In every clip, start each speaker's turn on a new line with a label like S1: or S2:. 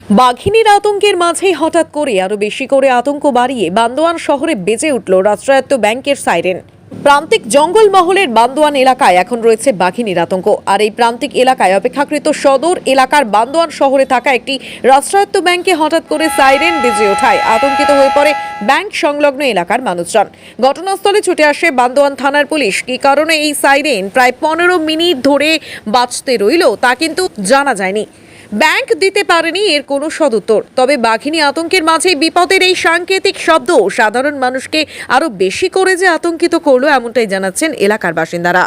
S1: বাঘিনীর আতঙ্কের মাঝেই হঠাৎ করে আরো বেশি করে আতঙ্ক বাড়িয়ে বান্দোয়ান শহরে বেজে উঠল রাষ্ট্রায়ত্ত ব্যাংকের সাইরেন। প্রান্তিক জঙ্গলমহলের বান্দোয়ান এলাকায় এখন রয়েছে বাঘিনীর আতঙ্ক। আর এই প্রান্তিক এলাকায় অপেক্ষাকৃত সদর এলাকার বান্দোয়ান শহরে থাকা একটি রাষ্ট্রায়ত্ত ব্যাংকে হঠাৎ করে সাইরেন বেজে ওঠায় আতঙ্কিত হয়ে পড়ে ব্যাংক সংলগ্ন এলাকার মানুষজন। ঘটনাস্থলে ছুটে আসে বান্দোয়ান থানার পুলিশ। কী কারণে এই সাইরেন প্রায় 15 মিনিট ধরে বাজতে রইল তা কিন্তু জানা যায়নি। ব্যাংক দিতে পারেনি এর কোনো সদুত্তর। তবে বাঘিনী আতঙ্কের মাঝে বিপদের এই সাংকেতিক শব্দ সাধারণ মানুষকে আরো বেশি করে যে আতঙ্কিত করলো এমনটাই জানাচ্ছেন এলাকার বাসিন্দারা।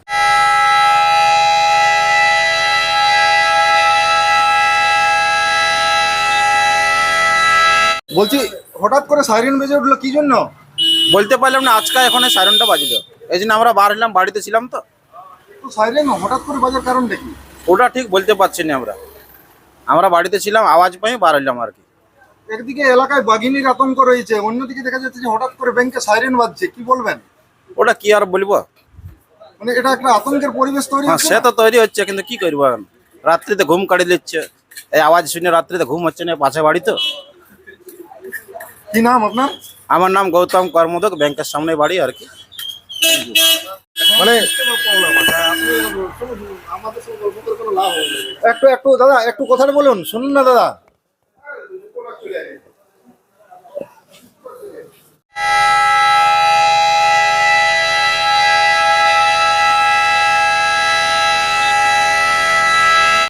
S2: বলছি হঠাৎ করে সাইরেন বেজে উঠলো কি জন্য?
S3: বলতে পারলাম না, আজকে এখন সাইরেনটা বাজলো, এই জন্য আমরা বার হলাম, বাড়িতে ছিলাম তো।
S2: তো সাইরেন হঠাৎ করে বাজার কারণটা কি?
S3: ওটা ঠিক বলতে পারছি না, আমরা বাড়িতে ছিলাম, আওয়াজ পাই বার হলাম আর কি।
S2: একদিকে এলাকায় বাঘিনীর আতঙ্ক রয়েছে, অন্যদিকে দেখা যাচ্ছে যে হঠাৎ করে ব্যাংকে সাইরেন বাজছে, কি বলবেন?
S3: ওটা কি আর বলবো,
S2: মানে এটা একটা আতঙ্কের পরিবেশ তৈরি
S3: হ্যাঁ
S2: হচ্ছে
S3: সে
S2: না?
S3: তো তৈরি হচ্ছে, কিন্তু কি করবো এখন, রাত্রিতে ঘুম কাটিয়ে দিচ্ছে, এই আওয়াজ শুনে রাত্রিতে ঘুম হচ্ছে না, পাশে বাড়ি তো।
S2: কি নাম আপনার?
S3: আমার নাম গৌতম কর্মদক, ব্যাংকের সামনে বাড়ি আর কি।
S2: মানে একটু একটু দাদা একটু কথাটা বলুন, শুনুন না দাদা।